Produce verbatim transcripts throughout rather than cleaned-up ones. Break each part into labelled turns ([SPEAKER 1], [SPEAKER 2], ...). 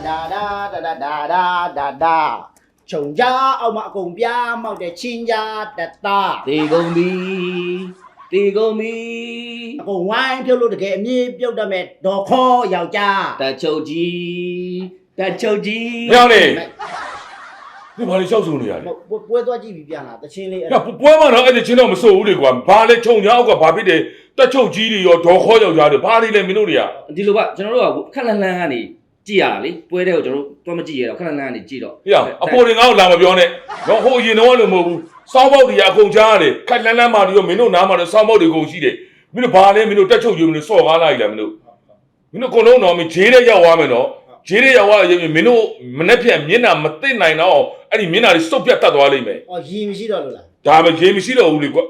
[SPEAKER 1] da da da da da da da da Chồng cha ông mà cùng bia mau để xin ra đặt ta
[SPEAKER 2] Tì gông mi Tì gông mi
[SPEAKER 1] Cùng ngoài phiêu lưu được kệ mi phiêu đà mệt đồ khô giàu cha
[SPEAKER 2] Ta châu chi Ta châu chi
[SPEAKER 3] Mèo này你把你笑死你啊！
[SPEAKER 1] 我不会多几笔变了，这心里。
[SPEAKER 3] 呀，不不嘛，那一直听到我们说的管，把你冲鸟个把别的，在手机里哟，多好要家的，把你来没弄的呀。
[SPEAKER 2] ဒီလိုပါကျွန်တော်တို့ကခက်လန်းလန်းကနေကြည့်ရတာလေပွဲတဲ့ကိုကျွန်တော်တို့တော့မကြည့်ရတော့ခက်လန်းလန်းကနေကြည့်တော့
[SPEAKER 3] 呀，阿婆你俺老么表呢？然后以前的话就冇，烧包的也空家的，看咱咱妈的哟，没弄拿嘛的烧包的公司的，没弄把嘞，没弄在手机没弄烧干来了没弄，没弄可能喏，没接的要话没喏。这里要话因为民路民那片民那没得来喏，哎，你民那里手边打多少里没？
[SPEAKER 1] 哦，伊唔是了啦。
[SPEAKER 3] 咱们这没是了屋里过，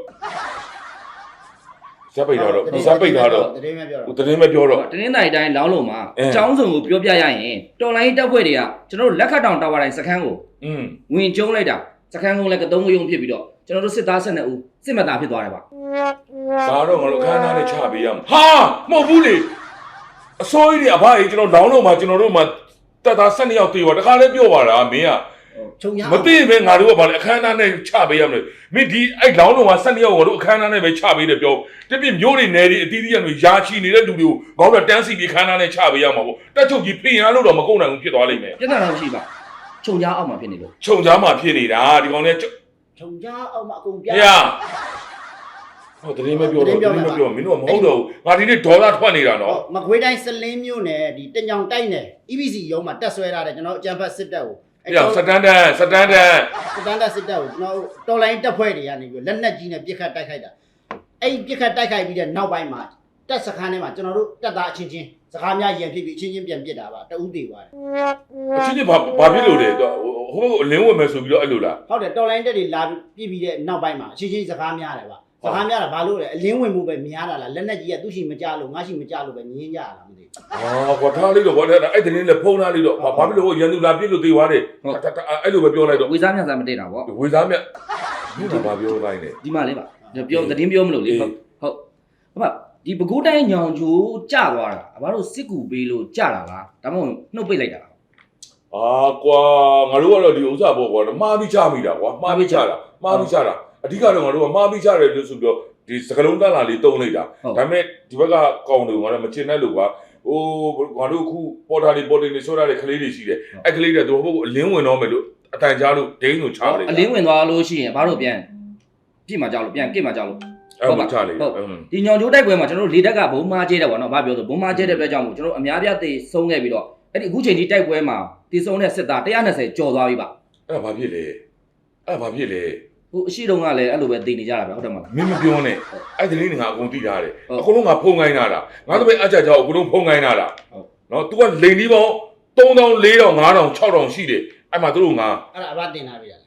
[SPEAKER 3] 啥背条了？啥背条了？我昨天没标了。
[SPEAKER 2] တနင်္လာရီတိုင်းလောင်းလုံးမှာအကြောင်းစုံကိုပြောပြရရင်တော်လိုင်းတက်ဖွဲ့တွေကကျွန်တော်တို့လက်ခတ်တောင်တာဝါတိုင်းစခန်းကို
[SPEAKER 3] อืม
[SPEAKER 2] ဝင်ကျုံးလိုက်တာစခန်းကုန်းလည်းကတုံးကယုံဖြစ်ပြီးတော့ကျွန်တော်တို့စစ်သား၁၂ဦးစစ်မှတ်သားဖြစ်သွားတယ်ပါ
[SPEAKER 3] ဒါတော့ငါတို့ခန်းသားနဲ့ချပေးရမှာဟာမဟုတ်ဘူးလေအစိုးရအဖကြီးကျွန်တော်လောင်းလုံးမှာကျွန်တော်တို့မှာတက်သား၁၂ယောက်တေးပါတခါလဲပြောပါလားမင်းက
[SPEAKER 1] Chồng nhà
[SPEAKER 3] မသိပဲငါတို့ကဘာလဲအခမ်းအနားနဲ့ချပေးရမလဲမင်းဒီအဲ့လောင်းလုံးမှာ၁၂ယောက်ငါတို့အခမ်းအနားနဲ့ပဲချပေးတယ်ပြောတပြည့်မျိုးတွေနယ်တွေအတီးတီးရတွေယာချီနေတဲ့လူတွေကိုဘာလို့တန်းစီပြီးခမ်းအနားနဲ့ချပေးရမှာပေါ့တက်ချုပ်ကြီးဖိရင်လို့တော့မကုန်နိုင်ဘူးဖြစ်သွားလိမ့်မယ်
[SPEAKER 2] ပြဿနာတော့ရှိပါခြုံကြားအောက်မှာဖြစ်နေလို့
[SPEAKER 3] ခြုံကြားမှာဖြစ်နေတာဒီကောင်လေး
[SPEAKER 1] Chồng cha ông mà cùng
[SPEAKER 3] ဟ
[SPEAKER 1] bia
[SPEAKER 3] ေ့ဟောတရင်မပြောတော့တရင်မပြောမင်းတို့ကမဟုတ်တော့ဘူးငါဒီနေ့ဒေါ်လာထွက်နေတာနော်
[SPEAKER 1] Mà quấy đai sân lên miêu nè, đi tên nhong tay nè, E B C giống mà test xoay ra để cho nó chạm phát xích đầu.
[SPEAKER 3] ဟေ့စတန်ဒတ်စတန်ဒတ်
[SPEAKER 1] Standard xích đầu, nó to lại tập quay để anh ấy lần này chỉ là biết khai tay khai đã. Ấy biết khai tay khai bây giờ nào bài mà test sắc này mà cho nó test đã chín chín, sắc ham nhà gì thì chín chín biến biết đã bà, tao ưu tiên quá.
[SPEAKER 3] အချင်းချင်းဘာဘာဖြစ်လို့လဲဟိုလင်းဝင်မယ်ဆိုပြီးတော့အဲ့လိုလား
[SPEAKER 1] Không để to lại để làm biết bây giờ nào bài mà chín chín sắc ham nhà này bà. Sắc ham nhà là bà luôn đấy, lĩnhဝင်mua về mía là lần này chỉ là tu sĩ mà cha luôn, ngã sĩ mà cha luôn về nhiên nhà là gì.
[SPEAKER 3] အော်ကွာထားလိုက်တော့ကွာအဲ့တရင်လည်းဖုံးထားလိုက်တော့ဘာဖြစ်လို့ရန်သူလာပြစ်လို့သေးသွားတယ်အဲ့လိုပဲပြောလိုက်တော့
[SPEAKER 2] ဝေစားမြတ်စားမတည့်တာပေါ့
[SPEAKER 3] ဝေစားမြတ်ဒီမှာဘာပြောလိုက်လဲ
[SPEAKER 2] ဒီမှာလေးပါပြောသတင်းပြောမလို့လေဟုတ်ဟုတ်အမဒီပကူးတိုင်းညောင်ချိုးကြသွားတာအဘတို့စစ်ကူပေးလို့ကြတာလားဒါမှမဟုတ်နှုတ်ပိတ်လိုက်တာလား
[SPEAKER 3] အာကွာငါတို့ကတော့ဒီဥစ္စာပေါ့ကွာမှားပြီးချမိတာကွာမှားပြီးချတာမှားပြီးချတာအဓိကတော့ငါတို့ကမှားပြီးချတယ်လို့ဆိုပြီးတော့ဒီစကလုံးတန်းလာလေးတုံးလိုက်တာဒါပေမဲ့ဒီဘက်ကကောင်တွေကတော့မချင်တဲ့လူကဟိုငါတို့အခုပေါ်တာလေးပေါ်တင်နေဆိုရတဲ့ကလေးတွေရှိတယ်အဲ့ကလေးတွေတို့ဟိုအလင်းဝင်တော့မယ်လို့အတန်ကြားလို့ဒိန်းကိုချလိုက်
[SPEAKER 2] အလင်းဝင်သွားလို့ရှိရင်ဘာလို့ပြန်ပြစ်မှာကြောက်လို့ပြန်ကစ်မှာကြောက်လို့
[SPEAKER 3] အဲ့လိုချလိုက်
[SPEAKER 2] ဟုတ်ဒီညောင်ချိုးတိုက်ပွဲမှာကျွန်တော်တို့လေတက်ကဘုံမားကျဲတယ်ပေါ့နော်ဘာပြောဆိုဘုံမားကျဲတဲ့အတွက်ကြောင့်မို့ကျွန်တော်အများပြသေဆုံးခဲ့ပြီးတော့အဲ့ဒီအခုချိန်ဒီတိုက်ပွဲမှာတည်ဆုံးတဲ့စစ်သားone twentyကျော်သွားပြီပါ
[SPEAKER 3] အဲ့ဒါဘာဖြစ်လဲအဲ့ဒါဘာဖြစ်လဲ
[SPEAKER 2] ဟိုအရှိတုန်းကလည်းအဲ့လိုပဲတည်နေကြတာပဲဟုတ်တယ်မလား
[SPEAKER 3] မင်းမပြောနဲ့အဲ့ဒီလေးငါအကုန်သိထားတယ်အကုန်လုံးငါဖုံးခိုင်းတာလားငါတို့ပဲအကြကြောက်အကုန်လုံးဖုံးခိုင်းတာလားနော် तू ကလိန်ဒီပေါင်းthree thousand four thousand five thousand six thousandရှိတယ်အဲ့မှာတို့ငါ
[SPEAKER 1] အဲ့ဒါအဘတင်လာပြီလား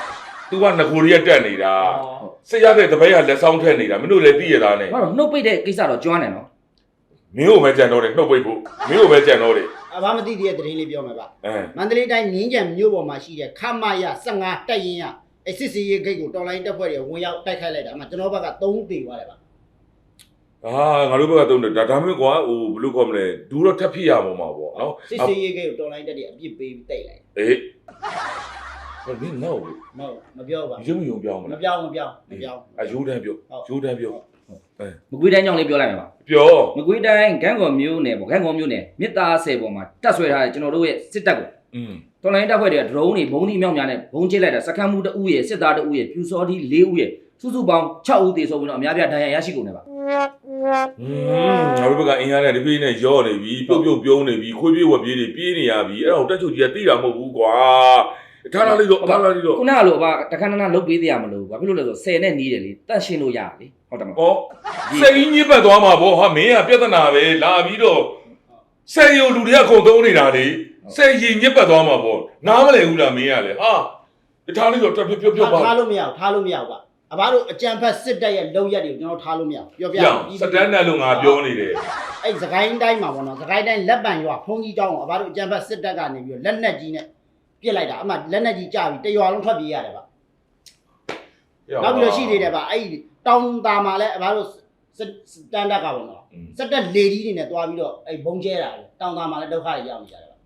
[SPEAKER 3] तू ကငကိုရီးတက်နေတာစစ်ရတဲ့တပည့်ကလက်ဆောင်ထက်နေတာမင်းတို့လည်းသိရတာနဲ့
[SPEAKER 2] ဘာလို့နှုတ်ပိတ်တဲ့ကိစ္စတော့ကျွမ်းတယ်နော်
[SPEAKER 3] မင်းကိုပဲကြံတော့တယ်နှုတ်ပိတ်ဖို့မင်းကိုပဲကြံတော့တယ်
[SPEAKER 1] အဘမသိတဲ့သတင်းလေးပြောမှာပါ
[SPEAKER 3] အဲ
[SPEAKER 1] မန္တလေးတိုင်းငင်းကြံမြို့ပေါ်မှာရှိတဲ့ခမရfifteenတက်ရင်ရအစစ်စီရေးဂိတ်ကိုတော်လိုင်းတက်ဖွဲ့တွေဝင်ရောက်တိုက်ခိုက်လိုက်တာအမှကျွန်တော်ဘက်ကthreeတေသွားတယ်ပါ
[SPEAKER 3] အာငါတို့ဘက်ကတုံးတယ်ဒါဒါမျိုးကွာဟိုဘယ်လိုခေါ်မလဲဒူတော့ထပ်ဖြစ်ရမှာပေါ့နော်
[SPEAKER 1] စစ်စီရေးဂိတ်ကိုတော်လိုင်းတက်တွေအပြစ်ပေးပြီးတိုက်လိုက်
[SPEAKER 3] အေးဟိုမင်းနော်
[SPEAKER 1] မဟုတ်မပြောပါ
[SPEAKER 3] ရုံရုံပြောင်းမ
[SPEAKER 1] မ
[SPEAKER 3] လား
[SPEAKER 1] ပြောင်းမပြောင်းမပြောင်း
[SPEAKER 3] အယိုးတန်းပြောယိုးတန်းပြောအဲ
[SPEAKER 2] မကွေးတိုင်းကြောင့်လေးပြောလိုက်မှာပါ
[SPEAKER 3] ပြော
[SPEAKER 2] မကွေးတိုင်းဂန်းကော်မျိုးနယ်ပေါ့ဂန်းကော်မျိုးနယ်မြစ်သားဆယ်ပေါ်မှာတက်ဆွဲထားတဲ့ကျွန်တော်တို့ရဲ့စစ်တပ်ကို
[SPEAKER 3] อืม
[SPEAKER 2] တော်လိုင်းတပ်ဖွဲ့တွေက drone တွေဘုံဒီမြောက်များနဲ့ဘုံကျစ်လိုက်တာစခန်းမှုတအူးရဲ့စစ်သားတအူးရဲ့ပြူစောဒီfourဦးရဲ့စုစုပေါင်းsixဦးသေဆုံးပြီးတော့အများပြဒဏ်ရာရရှိကုန်တယ်ပါ
[SPEAKER 3] อืมငါတို့ဘက်ကအင်အားနဲ့ဒီပြေးနဲ့ရော့နေပြီပြုတ်ပြုတ်ပြုံးနေပြီခွေးပြေးဝက်ပြေးတွေပြေးနေရပြီအဲ့ဒါကိုတက်ချုပ်ကြီးကသိတာမဟုတ်ဘူးကွာထားလာလိုက်တော့ထားလာလိုက်တော့
[SPEAKER 2] ခုနကလိုအဘတခဏခဏလုတ်ပေးသေးရမလို့ဘာဖြစ်လို့လဲဆိုတော့tenနဲ့နီးတယ်လေတန့်ရှင်းလို့ရတာလေဟုတ်တယ်မလား
[SPEAKER 3] ဟောစိတ်ကြီးညစ်ပတ်သွားမှာဗောဟာမင်းကပြဿနာပဲလာပြီးတော့စိတ်ရုံလူတွေကခုံသုံးနေတာလေစိတ်ကြီးညစ်ပတ်သွားမှာဗောနားမလဲဘူးလားမင်းကလေဟာထားလိုက်တော့တက်ပြပြပြပါ
[SPEAKER 1] ထားလို့မရထားလို့မရဘူးကအဘတို့အကြံဖက်စစ်တပ်ရဲ့လုံရက်တွေကိုကျွန်တော်ထားလို့မရပြောပြ
[SPEAKER 3] စတန်ဒတ်လို့ငါပြောနေတယ်
[SPEAKER 1] အဲ့စကိုင်းတိုင်းမှာပေါ့နော်စကိုင်းတိုင်းလက်ပံရွာဖုံးကြီးတောင်းကိုအဘတို့အကြံဖက်စစ်တပ်ကနေပြီးတော့လက်နက်ကြီးနဲ့ပြစ်လိုက်တာအမှလက်နက်ကြီးကြပြီးတရွာလုံးထွက်ပြေးရတယ်ဗျနောက်ပြီးတော့ရှိသေးတယ်ဗျအဲ့တောင်တာမှာလည်းအဘတို့စတန်ဒတ်ကပေါ့နော်စက်တက်လေကြီးတွေနဲ့တွားပြီးတော့အဲ့ဘုံကျဲတာလေတောင်တာမှာလည်းဒုက္ခတွေရောက်နေကြတယ်ဗျ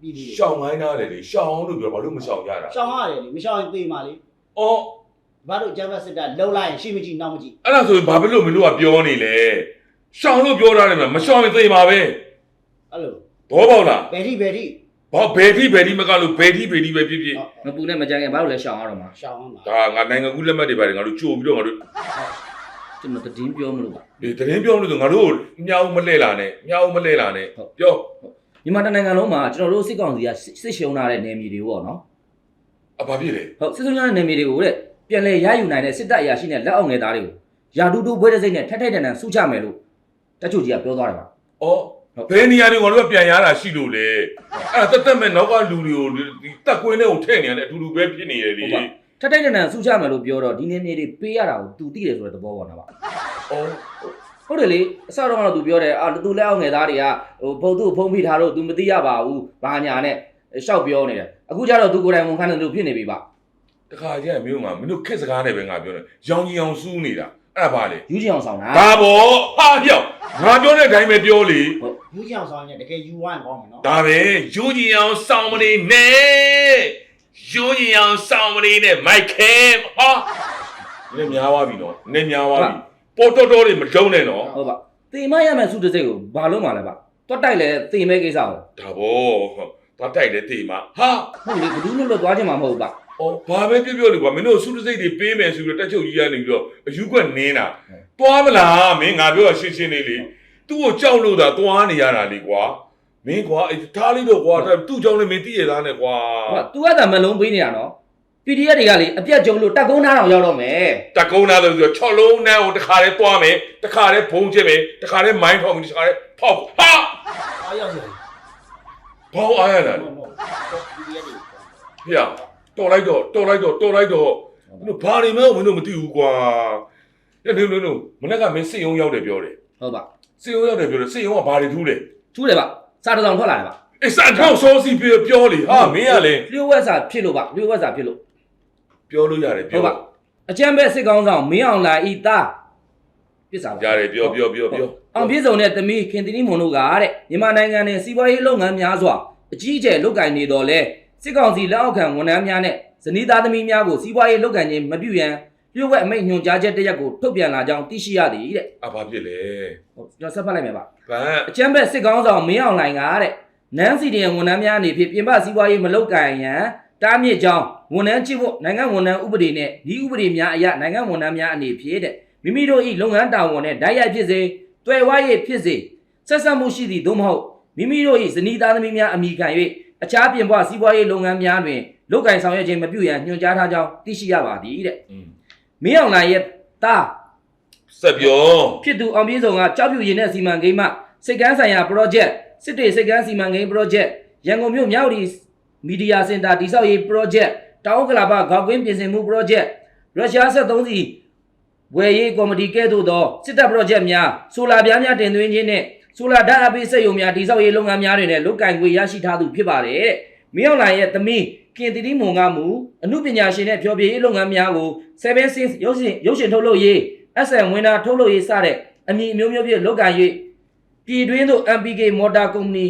[SPEAKER 1] ပြည်သူ
[SPEAKER 3] ရှောင်းခိုင်းတာလေလေရှောင်းလို့ပြောဘာလို့မရှောင်းကြတာ
[SPEAKER 1] ရှောင်းရတယ်လေမရှောင်းရင်သေမှာလေ
[SPEAKER 3] အော်
[SPEAKER 1] ဘာလို့ကျမ်းဖတ်စစ်တပ်လုံလိုက်ရင်ရှိမကြည့်နောက်မကြည့်
[SPEAKER 3] အဲ့ဒါဆိုရင်ဘာဖြစ်လို့မင်းတို့ကပြောနေလဲရှောင်းလို့ပြောတာလေမရှောင်းရင်သေမှာပဲ
[SPEAKER 1] အဲ့လို
[SPEAKER 3] ဘောပေါက်လား
[SPEAKER 1] ဘယ်ထိဘယ်ထိ
[SPEAKER 3] ဘာဘယ်ထိဘယ်ထိမကလို့ဘယ်ထိဘယ်ထိပဲဖြစ်ဖြစ်
[SPEAKER 2] မပူနဲ့မကြိုင်ခင်ဘာလို့လဲရှောင်ရတော့မှာ
[SPEAKER 1] ရှောင်းအောင်ပါ
[SPEAKER 3] ဒါငါနိုင်ငံကူးလက်မှတ်တွေပါတယ်ငါတို့ကြိုပြီးတော့ငါတို့
[SPEAKER 2] ကျွန်တော်တည်င်းပြောမလို့ပါ
[SPEAKER 3] ဒီတရင်ပြောလို့ဆိုငါတို့မြောက်မလှဲ့လာနဲ့မြောက်မလှဲ့လာနဲ့ပြော
[SPEAKER 2] မြန်မာတနိုင်ငံလုံးမှာကျွန်တော်တို့စစ်ကောင်စီကစစ်ရှုံးလာတဲ့နယ်မြေတွေပေါ့နော်
[SPEAKER 3] အဘာဖြစ်လဲ
[SPEAKER 2] ဟုတ်စစ်ရှုံးလာတဲ့နယ်မြေတွေကိုတဲ့ပြန်လဲရယူနိုင်တဲ့စစ်တပ်အရာရှိနဲ့လက်အောက်ငယ်သားတွေကိုယာတူတူဘွဲတဲ့စိတ်နဲ့ထက်ထိုက်တန်တန်စုချမယ်လို့တချို့ကြီးကပြောသွားတယ်ပါ
[SPEAKER 3] အော်ဘယ်နေရာတွေငါတို့ကပြန်ရတာရှိလို့လေအဲ့ဒါတက်တက်မဲ့နောက်ကလူတွေကိုဒီတက်ကွင်းထဲကိုထည့်နေရတယ်အတူတူပဲဖြစ်နေရလေ
[SPEAKER 2] ထက်ထိုက်တန်တန်စုချမယ်လို့ပြောတော့ဒီနယ်မြေတွေပေးရတာကိုသူသိတယ်ဆိုတဲ့သဘောပေါ့နော်ပါ
[SPEAKER 3] အော်
[SPEAKER 2] ဟုတ်တယ်လေအစတော့ကတော့သူပြောတယ်အာသူလက်အောက်ငယ်သားတွေကဟိုဘုံသူ့ဖုံးဖိထားလို့သူမသိရပါဘူးဘာညာနဲ့ရှောက်ပြောနေတယ်အခုကျတော့သူကိုယ်တိုင်ဝန်ခံတယ်လို့ဖြစ်နေပြီပါ
[SPEAKER 3] တခါကျရင်မင်းကမင်းတို့ခက်စကားနဲ့ပဲငါပြောတယ်ရောင်ကြီးအောင်စူးနေတာအဲ့ဒါပါလေ
[SPEAKER 2] ယူချင်အောင်ဆောင်တာ
[SPEAKER 3] ဒါပေါ့ဟာပြောင်းငါပြောတဲ့အတိုင်းပဲပြောလေ
[SPEAKER 1] ယူချင်အောင်ဆောင်ရင်တကယ်ယူဝိုင်းကောင်းမယ်နော်
[SPEAKER 3] ဒါပဲယူကြီးအောင်စောင်းမနေနဲ့ယူကြီးအောင်စောင်းမနေနဲ့မိုက်ခဲဟာနည်းများသွားပြီနော်နည်းများသွားပြီပေါ်တော်တော်တွေမလုံးနဲ့နော်
[SPEAKER 2] ဟုတ်ပါတေမရမယ်စုတစ်စိတ်ကိုဘာလို့မှလဲပါတွတ်တိုက်လဲတေမဲကိစ္စကို
[SPEAKER 3] ဒါပေါ့သွားတိုက်လေတေးမှာဟာ
[SPEAKER 2] ဟုတ်လေဘဒူးလို့လို့သွားချင်မှာမဟုတ်ပါ
[SPEAKER 3] အော်ဘာပဲပြောပြောလေကွာမင်းတို့စုတစိတ်တွေပေးမယ်ဆိုပြီးတော့တက်ချုပ်ကြီးကနေပြီးတော့အယူကွက်နင်းတာသွားမလားမင်းငါပြောတာရှင်းရှင်းလေးလေသူ့ကိုကြောက်လို့သာသွားနေရတာလေကွာမင်းကွာအဲထားလိုက်တော့ကွာသူ့ကြောင့်လည်းမင်းသိရသားနဲ့ကွာ
[SPEAKER 2] ဟုတ် तू ကသာမလုံးပေးနေတာနော် ပီ ဒီ အက်ဖ် တွေကလေအပြတ်ကြုံလို့တက်ကုန်းသားတော်ရောက်တော့မယ်
[SPEAKER 3] တက်ကုန်းသားဆိုတော့ချော့လုံးနဲ့ဟိုတခါတည်းသွားမယ်တခါတည်းဖုံးချစ်မယ်တခါတည်းမိုင်းထောင်မယ်တခါတည်းဖောက်ဟာ
[SPEAKER 1] အားရောက်တယ်
[SPEAKER 3] ဘောင်းအားရတာ
[SPEAKER 1] ဟုတ်ဟုတ်ဒီရက်တွေ
[SPEAKER 3] ဖေရတော်လိုက်တော့တော်လိုက်တော့တော်လိုက်တော့မင်းတို့ဘာနေမဲမင်းတို့မသိဘူးကွာညနေနေနေမနေ့ကမင်းစစ်ရုံရောက်တယ်ပြောတယ်
[SPEAKER 2] ဟုတ်ပါ
[SPEAKER 3] စစ်ရုံရောက်တယ်ပြောတယ်စစ်ရုံကဘာတွေထူးလဲ
[SPEAKER 2] ထူးတယ်ပါစားတစ်စောင်ထွက်လာတယ်ပါ
[SPEAKER 3] အေးစံထောက်စောစီပြောပြောလေဟာမင်းကလည်း
[SPEAKER 2] လျှို့ဝှက်စာဖြစ်လို့ပါလျှို့ဝှက်စာဖြစ်လို့
[SPEAKER 3] ပြောလို့ရတယ်
[SPEAKER 2] ဟု
[SPEAKER 3] ပြော
[SPEAKER 2] တ်ပါအကျံပဲစစ်ကောင်းဆောင်မင်းအောင်လာဤသားပြစ်စာပါ
[SPEAKER 3] ရတယ်ပြောပြောပြောပြော
[SPEAKER 2] အောင်ပြည့်စုံတဲ့သမီးခင်တီနီမွန်တို့ကတဲ့မြန်မာနိုင်ငံနဲ့စီးပွားရေးလုပ်ငန်းများစွာအကြီးအကျယ်လုပ်ကိုင်နေတော်လဲစစ်ကောင်စီလက်အောက်ခံဝန်ထမ်းများနဲ့ဇနီးသားသမီးများကိုစီးပွားရေးလုပ်ကိုင်ခြင်းမပြုရန်လျှို့ဝှက်အမိန့်ညွှန်ကြားချက်တစ်ရပ်ကိုထုတ်ပြန်လာကြောင်းသိရှိရသည်တဲ့
[SPEAKER 3] အဘာဖြစ်လဲ
[SPEAKER 2] ဟုတ်ကျွန်တော်ဆက်ဖတ်လိုက်မယ်ပါ
[SPEAKER 3] ဗန်
[SPEAKER 2] အကျံပဲစစ်ကောင်းဆောင်မင်းအောင်လှိုင်ကတဲ့နန်းစီဒီယန်ဝန်ထမ်းများအနေဖြင့်ပြင်ပစီးပွားရေးမလုပ်ကိုင်ရန်တားမြစ်ကြောင်းဝန်ထမ်းချစ်ဖို့နိုင်ငံဝန်ထမ်းဥပဒေနဲ့ဒီဥပဒေများအရနိုင်ငံဝန်ထမ်းများအနေဖြင့်တဲ့မိမိတို့၏လုပ်ငန်းတာဝန်နဲ့ဓာတ်ရိုက်ဖြစ်စေတွယ်ဝါရေးဖြစ်စေဆက်ဆက်မှုရှိသည့်သို့မဟုတ်မိမိတို့၏ဇနီးသားသမီးများအမိခံ၍အခြားပြင်ပစီးပွားရေးလုပ်ငန်းများတွင်လုပ်ကိုင်ဆောင်ရွက်ခြင်းမပြုရန်ညွှန်ကြားထားကြောင်းသိရှိရပါသည်တဲ့မင်းအောင်လှိုင်ရဲ့တား
[SPEAKER 3] ဆက်ပြော
[SPEAKER 2] ဖြစ်သူအောင်ပြည့်စုံကကြောက်ပြူရင်တဲ့စီမံကိန်းမှစိတ်ကန်းဆိုင်ရာ project စစ်တေစိတ်ကန်းစီမံကိန်း project ရန်ကုန်မြို့မြောက်ဒီမီဒီယာစင်တာတိစောက်ရေး project တောင်ကလာပဂေါက်ကွင်းပြင်ဆင်မှု project ရုရှားဆက်သုံးစီဝယ်ရေးကော်မတီကဲ့သို့သောစစ်တပ် project များဆိုလာပြားများတင်သွင်းခြင်းနဲ့ဆိုလာဓာတ်အပိစက်ရုံများတိစောက်ရေးလုပ်ငန်းများတွင်လည်းလုပ်ကိုင်ခွင့်ရရှိထားသူဖြစ်ပါတယ်တဲ့မင်းအောင်လှိုင်ရဲ့သမီးခင်တီတီမွန်ကမူအမှုပညာရှင်နဲ့ဖျော်ဖြေရေးလုပ်ငန်းများကို seven six ရုပ်ရှင်ရုပ်ရှင်ထုတ်လုပ်ရေး အက်စ် အမ် ဝင်တာထုတ်လုပ်ရေးစတဲ့အမည်အမျိုးမျိုးဖြင့်လုပ်ကိုင်၍ပြည်တွင်းသို့ အမ် ပီ ကေ Motor Company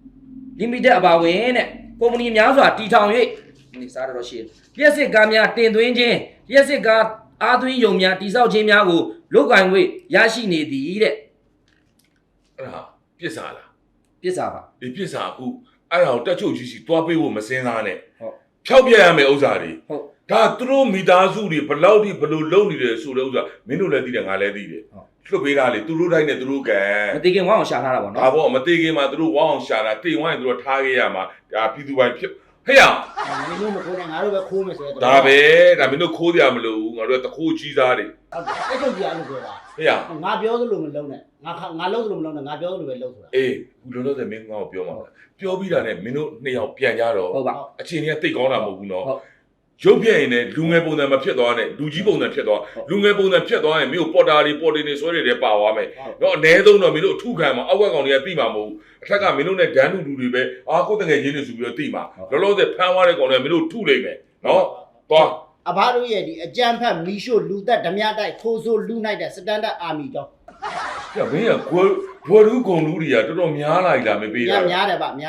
[SPEAKER 2] Limited အပါအဝင်တဲ့ကုမ္ပဏီများစွာတည်ထောင်၍ဒီစားတော့ရှိလျှက်စစ်ကားများတင်သွင်းခြင်းလျှက်စစ်ကားအားသွင်းယုံများတိစောက်ခြင်းများကိုလုပ်ကိုင်၍ရရှိနေသည်တဲ့
[SPEAKER 3] အဲ့ဒါပြစ်စားလား
[SPEAKER 2] ပြစ်စာပါ
[SPEAKER 3] ဒီပြစ်စားအခုအဲ့ဒါကိုတက်ချုပ်ကြီးစီသွားပေးဖို့မစင်းသားနဲ့
[SPEAKER 2] ဟုတ်
[SPEAKER 3] ဖြောက်ပြရမယ်ဥစ္စာတွေ
[SPEAKER 2] ဟုတ်
[SPEAKER 3] ဒါသူတို့မိသားစုတွေဘလောက်ထိဘလို့လုံနေတယ်ဆိုတဲ့ဥစ္စာမင်းတို့လည်းသိတယ်ငါလည်းသိတယ်
[SPEAKER 2] ဟုတ်
[SPEAKER 3] လွတ်ပေးတာလေသူတို့တိုင်းနဲ့သူတို့ကံ
[SPEAKER 2] မတိခင်ဝအောင်ရှာထားတာပေါ့
[SPEAKER 3] ဒါ
[SPEAKER 2] နော်
[SPEAKER 3] ပေါ့မသေးခင်မှာသူတို့ဝအောင်ရှာတာတိမ်ဝိုင်းသူတို့ထားခဲ့ရမှာဒါပြည်သူပိုင်းဖြစ်ဟဲ့ရ
[SPEAKER 1] မင်းတို့မခိုးနဲ့ငါတို့ပဲခိုးမယ်ဆိုတော့
[SPEAKER 3] ဒါပဲဒါမင်းတို့ခိုးကြမလို့ငါတို့ကတခိုးကြီးသားတွေ
[SPEAKER 1] အဲ့ချုပ်ကြီးအဲ့လိုပြောတာ
[SPEAKER 3] ဟဲ့ရ
[SPEAKER 1] ငါပြောသလိုမလုံးနဲ့ငါငါလုံးသလိုမလုံးနဲ့ငါပြောသလိုပဲလုံးဆိုတာ
[SPEAKER 3] အေးဘူးလုံးလုံးတဲ့မင်းငါ့ကိုပြောမှာပြောပြီးတာနဲ့မင်းတို့နှစ်ယောက်ပြန်ကြတော့
[SPEAKER 2] ဟုတ်ပါ
[SPEAKER 3] အချိန်ကြီးကတိတ်ကောင်းတာမဟုတ်ဘူးနော်
[SPEAKER 2] ဟုတ်
[SPEAKER 3] ရုပ်ပြည့်ရင်လည်းလူငယ်ပုံစံမဖြစ်သွားနဲ့လူကြီးပုံစံဖြစ်သွားလူငယ်ပုံစံဖြစ်သွားရင်မင်းတို့ပေါ်တာတွေပေါ်တင်တွေဆွဲတွေလည်းပါသွားမယ်တော့အ ਨੇ ဆုံးတော့မင်းတို့အထုခံမှာအောက်ကကောင်တွေကတိမှာမဟုတ်ဘူးအထက်ကမင်းတို့နဲ့ဒန်းတူတူတွေပဲအာကိုယ်တငယ်ချင်းတွေဆိုပြီးတော့တိမှာလောလောဆယ်ဖမ်းသွားတဲ့ကောင်တွေကမင်းတို့ထုလိုက်မယ်နော်သွား
[SPEAKER 1] အဘတို့ရဲ့ဒီအကြံဖက်မီရှို့လူသက်ဓမြတိုက်ခိုးဆိုးလူနိုင်တဲ့စတန်ဒတ်အာမီကြောင်း
[SPEAKER 3] ပြမင်းကဘွယ်ဘွယ်လူကုန်လူတွေကတော်တော်များလာပြီလားမပေး
[SPEAKER 1] များ
[SPEAKER 3] တာ
[SPEAKER 1] များတယ်ဗျများတယ်ဗျ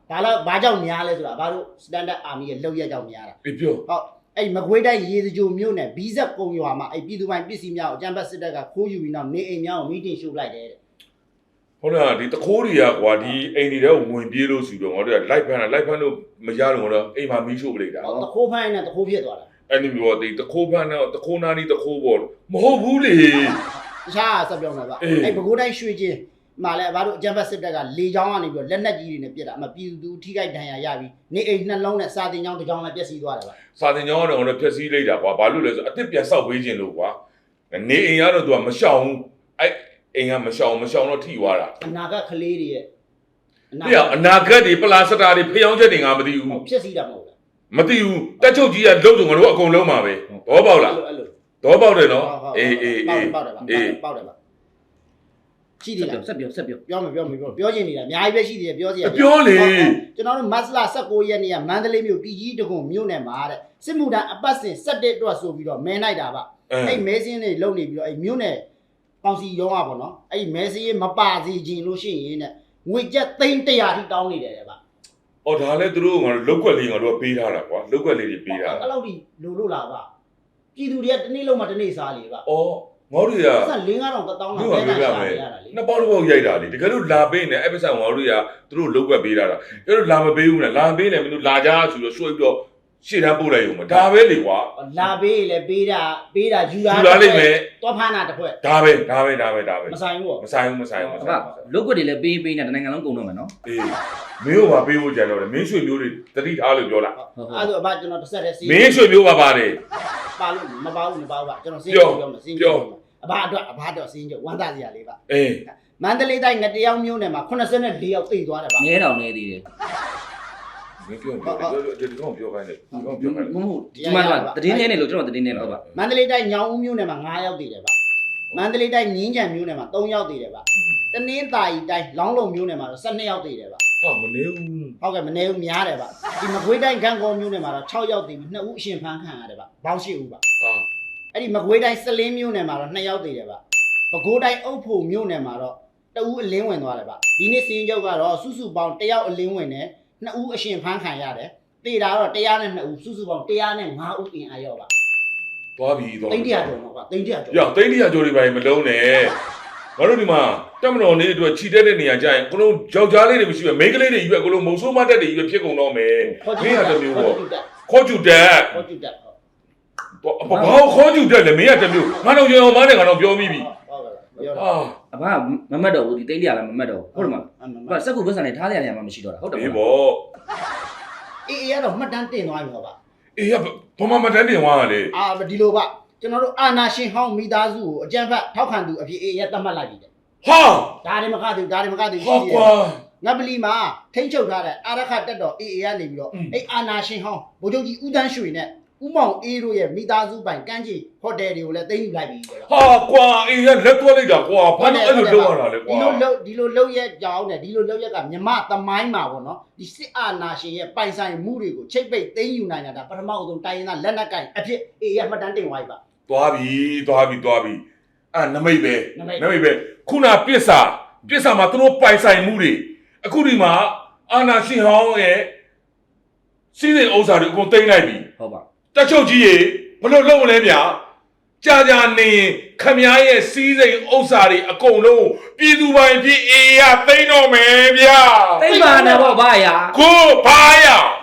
[SPEAKER 1] ဘာလို့ဘာကြောင့်များလဲဆိုတာဘာလို့ standard army ရဲ့လောက်ရက်ကြောင့်များတာ
[SPEAKER 3] ပြပြော
[SPEAKER 1] ဟုတ်အဲ့မကွေးတိုင်းရေစကြိုမြို့နယ်ဘီဇက်ကုံရွာမှာအဲ့ပြည်သူပိုင်ပစ္စည်းများကိုအကြမ်းဖက်စစ်တပ်ကခိုးယူပြီးနောက်နေအိမ်များကိုမီတင်ရှို့လိုက်တယ်တဲ့
[SPEAKER 3] ဟုတ်လားဒီတခိုးတွေကကွာဒီအိမ်တွေတော့ဝင်ပြေးလို့ဆိုတော့ငါတို့ကလိုက်ဖမ်းတာလိုက်ဖမ်းလို့မရလို့ငါတို့အိမ်မှာမီးရှို့ပလိုက်တာ
[SPEAKER 1] ဟောတခိုးဖိုင်းနဲ့တခိုးဖြစ်သွားတာ
[SPEAKER 3] အဲ့ဒီမျိုးဒီတခိုးဖမ်းတော့တခိုးနာနီတခိုးပေါ်မဟုတ်ဘူးလေ
[SPEAKER 1] တခြားဆက်ပြောင်းမှာပါအဲ့ပဲခူးတိုင်းရွှေချင်းမှာလဲဘာလို့အကြမ်းဖက်စစ်တပ်ကလေချောင်းကနေပြီးတော့လက်နက်ကြီးတွေနဲ့ပစ်တာအမပြည်သူထိခိုက်ဒဏ်ရာရပြီးနေအိမ်နှလုံးနဲ့စာတင်ချောင်းတစ်ချောင်းလည်းပျက်စီးသွားတယ်ဗျ
[SPEAKER 3] စာတင်ကြောင်းကတော့ငါတို့ဖျက်ဆီးလိုက်တာကွာဘာလို့လဲဆိုအစ်စ်ပြန်ဆောက်ပေးခြင်းလို့ကွာနေအိမ်ကတော့သူကမရှောင်ဘူးအဲ့အိမ်ကမရှောင်မရှောင်တော့ထိသွားတာ
[SPEAKER 1] အနာဂတ်ကလေးတွေရဲ့
[SPEAKER 3] ဒီအနာဂတ်တွေပလာစတာတွေဖျောင်းချက်တွေငါမသိဘူး
[SPEAKER 1] ဖြစ်စီတာမဟုတ်လား
[SPEAKER 3] မသိဘူးတက်ချုပ်ကြီးကလုံးစုံငါတို့အကုန်လုံးမှာပဲဘောပေါက်လား
[SPEAKER 1] အဲ့လို
[SPEAKER 3] ဘောပေါက်တယ်နော်အေးအေးအေး
[SPEAKER 1] ပေါက်တယ်ပါ
[SPEAKER 3] အေး
[SPEAKER 1] ပေါက်တယ်ပါရှိ
[SPEAKER 2] စ
[SPEAKER 1] သေး
[SPEAKER 2] က်
[SPEAKER 1] လား
[SPEAKER 2] ပြောဆက်ပြောဆက်ပြော
[SPEAKER 1] ပြောမပြောမပြောပြောချင်နေတာအများကြီးပဲရှိသေးတယ်ပြောစီရ
[SPEAKER 3] ပြောလေ
[SPEAKER 1] ကျွန်တော်တို့မတ်လ၁၉ရက်နေ့ကမန္တလေးမြို့ပြည်ကြီးတကုံမြို့နယ်မှာတဲ့စစ်မှုထမ်းအပတ်စဉ်၁၁အတွက်ဆိုပြီးတော့မဲလိုက်တာပါအဲ့မဲစင်းတွေလုံနေပြီးတော့အဲ့မြို့နယ်ကောင်စီရောင်းอ่ะပေါ့နော်အဲ့မဲစင်းရေးမပါစီခြင်းလို့ရှိရင်တဲ့ငွေကျပ်သိန်း၁၀၀ထိတောင်းနေတယ်တဲ့ဗျ
[SPEAKER 3] အော်ဒါလည်းသူတို့ငါတို့လောက်ွက်လေးငါတို့ပေးထားတာကွာလောက်ွက်လေးတွေပေးထားတာ
[SPEAKER 1] အဲ့လောက်ထိလိုလို့လားဗျပြည်သူတွေကတစ်နေ့လုံးမှတစ်နေ့စားလေဗျ
[SPEAKER 3] အော်ငါတို့တွေက
[SPEAKER 1] ဆက်၄၅တောင်တောင်းတာ
[SPEAKER 3] မြို့ကပြောပြမယ်နှစ်ပေါက်တစ်ပေါက်ရိုက်တာလေတကယ်လို့လာပေးနေအဲ့ပစ္စံငါတို့တွေကသူတို့လောက်ွက်ပေးထားတာအဲ့တော့လာမပေးဘူးနဲ့လာပေးနေမင်းတို့လာကြဆိုတော့ရွှေ့ပြီးတော့ရှေ့တန်းပို့လိုက်ရုံပဲဒါပဲလေကွာ
[SPEAKER 1] လာပေးလေပေးတာပေးတာယူတာ
[SPEAKER 3] ယူလာလိမ့်မယ်
[SPEAKER 1] တော့ဖမ်းတာတစ်ခွက်
[SPEAKER 3] ဒါပဲဒါပဲဒါပဲဒါပဲ
[SPEAKER 1] မဆိုင်ဘူး
[SPEAKER 3] မဆိုင်ဘူးမဆိုင်ဘူးမ
[SPEAKER 2] အ
[SPEAKER 3] ဆိုင်
[SPEAKER 2] ဖ
[SPEAKER 3] ဘူး
[SPEAKER 2] လုတ်ကွက်တွေလည်းပေးပေးနေတနိုင်ငံလုံးကုန်တော့မယ်နော်
[SPEAKER 3] အေးမင်းတို့ကပေးဖို့ကြံတော့တယ်မင်းရွှေမျိုးတွေတတိထားလို့ပြောတာ
[SPEAKER 1] အဲ့ဒါအဘကျွန်တော်တစ်ဆက်တည်းစီး
[SPEAKER 3] မင်းရွှေမျိုးပါပါတယ်
[SPEAKER 1] ပါလို့မပါဘူးမပါဘူးဗျကျွန်တော်စီးပြောမယ်စီးပြောအဘအတွက်အဘအတွက်စီးကြဝမ်းသာစရာလေးပါ
[SPEAKER 3] အေး
[SPEAKER 1] မန္တလေးတိုင်းငတရောင်မြို့နယ်မှာ84ယောက်သိသွားတယ်ဗျ
[SPEAKER 2] ငဲတောင်နေသေးတယ်
[SPEAKER 3] မင်းပြောပြောဒီကောင်ပြောခိုင်းတယ်ဒီကောင်ပြောခိုင်းတယ်
[SPEAKER 2] မဟုတ်ဒီမှာတော့တည်င်းနေလို့ကျွန်တော်တည်င်းနေလို့ပါ
[SPEAKER 1] မန္တလေးတိုင်းညောင်ဦးမြို့နယ်မှာ9ယောက်သိတယ်ဗျမန္တလေးတိုင်းငင်းကြံမြို့နယ်မှာ3ယောက်သိတယ်ဗျတနင်္သာရီတိုင်းလောင်းလုံမြို့နယ်မှာတော့12ယောက်သိတယ်ဗျ
[SPEAKER 3] ဟာမနေဘူး
[SPEAKER 1] ဟုတ်ကဲ့မနေဘူးများတယ်ဗျဒီမကွေးတိုင်းဂန့်ကောမြို့နယ်မှာတော့6ယောက်သိပြီး2ဦးအရှင်ဖမ်းခံရတယ်ဗျဘောင်းရှိဦးဗျ
[SPEAKER 3] ဟာ
[SPEAKER 1] အဲ့ဒီမကွေးတိုင်းစလင်းမြို့နယ်မှာတော့2ယောက်သိတယ်ဗျပဲခူးတိုင်းအုပ်ဖို့မြို့နယ်မှာတော့တဦးအလင်းဝင်သွားတယ်ဗျဒီနေ့စီရင်ချုပ်ကတော့စုစုပေါင်း1ယောက်အလင်းဝင်တယ်2ဦးအရှင်ဖမ်းခံရတယ်တေတာတော့1၀၂ဦးစုစုပေါင်း1၀၅ဦးအင်အားရောက်ပါ
[SPEAKER 3] သွားပြီသွား
[SPEAKER 1] တိတ်တရာကျော်တော့ဗျတိတ်တရာကျော်
[SPEAKER 3] ရတိတ်တရာကျော်တွေပါမလုံးနဲ့ငါတို့ဒီမှာတက်မတော်နေအတွက်ခြိတက်တဲ့နေရာကျရင်အကုန်လုံးယောက်ျားလေးတွေမရှိပဲမိန်းကလေးတွေကြီးပဲအကုန်လုံးမုံဆိုးမတက်တွေကြီးပဲဖြစ်ကုန်တော့မယ်မင်းရတစ်မျိုးပေါ့ခေါ်ကျူတက်
[SPEAKER 1] ခေါ်ကျူတက်
[SPEAKER 3] ဘာ
[SPEAKER 1] ဟုတ်
[SPEAKER 3] ခေါ်ကျူတက်လဲမင်းရတစ်မျိုးငါတော့ရောင်မနဲ့ငါတော့ပြောမိပြီ
[SPEAKER 1] ဟုတ်ကဲ့ပြောတာ
[SPEAKER 3] ဟာ
[SPEAKER 2] အဖမမတ်တော့ဘူးဒီတိတ်တရလည်းမမတ်တော့ဟုတ်တယ်မလားအဖစက်ကူပတ်စံနဲ့ထားရရမှာမရှိတော့တာဟုတ်တယ်
[SPEAKER 3] အေး
[SPEAKER 2] မလား
[SPEAKER 3] ပေါ့
[SPEAKER 1] အေးအေးကတော့မှတ်တမ်းတင်သွားပြီဟောဗျ
[SPEAKER 3] အေးရဘာမှမတန်းတင်သွားတာလေ
[SPEAKER 1] အာဒီလိုဗျကျွန်တော်တို့အာနာရှင်ဟောင်းမိသားစုကိုအကြံဖတ်ထောက်ခံသူအဖြစ်အေးရသတ်မှတ်လိုက်ပြီတဲ့
[SPEAKER 3] ဟာ
[SPEAKER 1] ဒါတွေမကသေးဒါတွေမကသေး
[SPEAKER 3] ဟာကွာ
[SPEAKER 1] ငပလီမှာထိမ့်ချုပ်ထားတဲ့အာရခတက်တော်အေးအေးကနေပြီးတော့အဲ့အာနာရှင်ဟောင်းဗိုလ်ချုပ်ကြီးဦးတန်းရွှေနဲ့ဦးမောင်အေးတို့ရဲ့မိသားစုပိုင်ကမ်းခြေဟိုတယ်တွေကိုလည်းသိမ်းယူလိုက်ပြီတဲ့
[SPEAKER 3] ဟာကွာအေးရလက်သွက်လိုက်တာကွာဘာလို့အဲ့လိုလုပ်ရတာလဲကွာ
[SPEAKER 1] ဒီလိုလုပ်ဒီလိုလုပ်ရက်ကြောင်းနဲ့ဒီလိုလုပ်ရက်ကမြမသမိုင်းမှာပေါ့နော်ဒီစစ်အာဏာရှင်ရဲ့ပိုင်ဆိုင်မှုတွေကိုချိတ်ပိတ်သိမ်းယူနိုင်တာဒါပထမဆုံးတိုင်းရင်းသားလက်နက်ကင်အဖြစ်အေးရမှတ်တမ်းတင်သွားပြီပါ
[SPEAKER 3] သွားပြီသွားပြီသွားပြီအဲ့နမိတ်ပဲ
[SPEAKER 1] နမိတ်
[SPEAKER 3] နမိတ်ပဲခုနပစ္စာပစ္စာမှာသူတို့ပိုင်ဆိုင်မှုတွေအခုဒီမှာအာနာရှင်ဟောင်းရဲ့စီးစိမ်ဥစ္စာတွေအကုန်သိမ်းလိုက်ပြီ
[SPEAKER 2] ဟုတ်ပါ
[SPEAKER 3] တက်ချုပ်ကြီးရေဘလို့လုံးလဲဗျာကြာကြာနေရင်ခမည်းရဲ့စီးစိမ်ဥစ္စာတွေအကုန်လုံးပြည်သူပိုင်ပြည်အေးရသိမ်းတော့မယ်ဗျာ
[SPEAKER 2] တိတ်ပါနဲ့ပေါ့ဗျာ
[SPEAKER 3] ကိုဘာရ